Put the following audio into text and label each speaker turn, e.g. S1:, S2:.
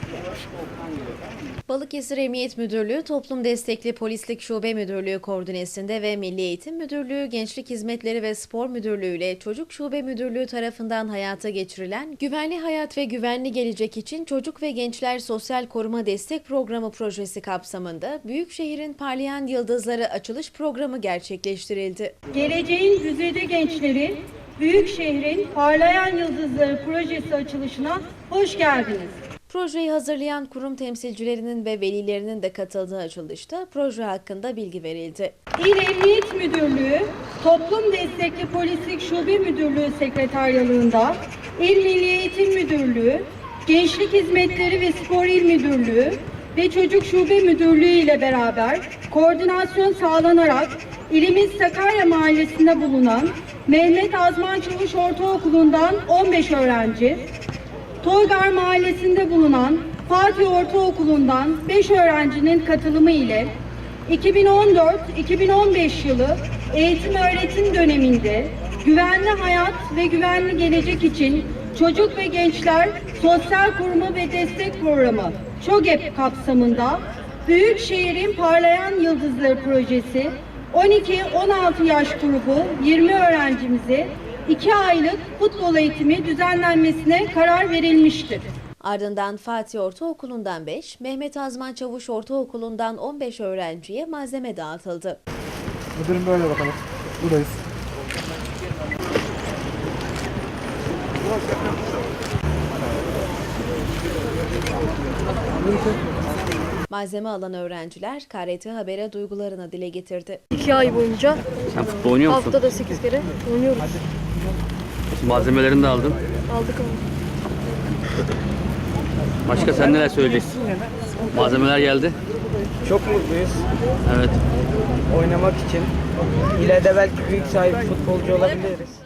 S1: Balıkesir Emniyet Müdürlüğü, Toplum Destekli Polislik Şube Müdürlüğü koordinesinde ve Milli Eğitim Müdürlüğü, Gençlik Hizmetleri ve Spor Müdürlüğü ile Çocuk Şube Müdürlüğü tarafından hayata geçirilen Güvenli Hayat ve Güvenli Gelecek için Çocuk ve Gençler Sosyal Koruma Destek Programı projesi kapsamında Büyükşehir'in Parlayan Yıldızları açılış programı gerçekleştirildi.
S2: Geleceğin güzide gençleri, Büyükşehir'in Parlayan Yıldızları projesi açılışına hoş geldiniz.
S1: Projeyi hazırlayan kurum temsilcilerinin ve velilerinin de katıldığı açılışta proje hakkında bilgi verildi.
S2: İl Emniyet Müdürlüğü, Toplum Destekli Polislik Şube Müdürlüğü Sekreteryalığında, İl Milli Eğitim Müdürlüğü, Gençlik Hizmetleri ve Spor İl Müdürlüğü ve Çocuk Şube Müdürlüğü ile beraber koordinasyon sağlanarak ilimiz Sakarya Mahallesi'nde bulunan Mehmet Azman Çavuş Ortaokulu'ndan 15 öğrenci, Toygar Mahallesi'nde bulunan Fatih Ortaokulu'ndan 5 öğrencinin katılımı ile 2014-2015 yılı eğitim öğretim döneminde Güvenli Hayat ve Güvenli Gelecek için Çocuk ve Gençler Sosyal Koruma ve Destek Programı ÇOGEP kapsamında Büyükşehir'in Parlayan Yıldızları projesi 12-16 yaş grubu 20 öğrencimize 2 aylık futbol eğitimi düzenlenmesine karar verilmiştir.
S1: Ardından Fatih Ortaokulu'ndan 5, Mehmet Azman Çavuş Ortaokulu'ndan 15 öğrenciye malzeme dağıtıldı.
S3: Müdürüm böyle bakalım. Buradayız.
S1: Malzeme alan öğrenciler KRT Haber'e duygularını dile getirdi.
S4: 2 ay boyunca
S5: Sen futbol oynuyor musun?
S4: haftada 8 kere oynuyoruz.
S5: Malzemelerini de aldın.
S4: Aldık ama.
S5: Başka sen neler söyleyeceksin? Malzemeler geldi.
S6: Çok mutluyuz
S5: Evet.
S6: oynamak için. İleride belki büyük sahibi futbolcu olabiliriz.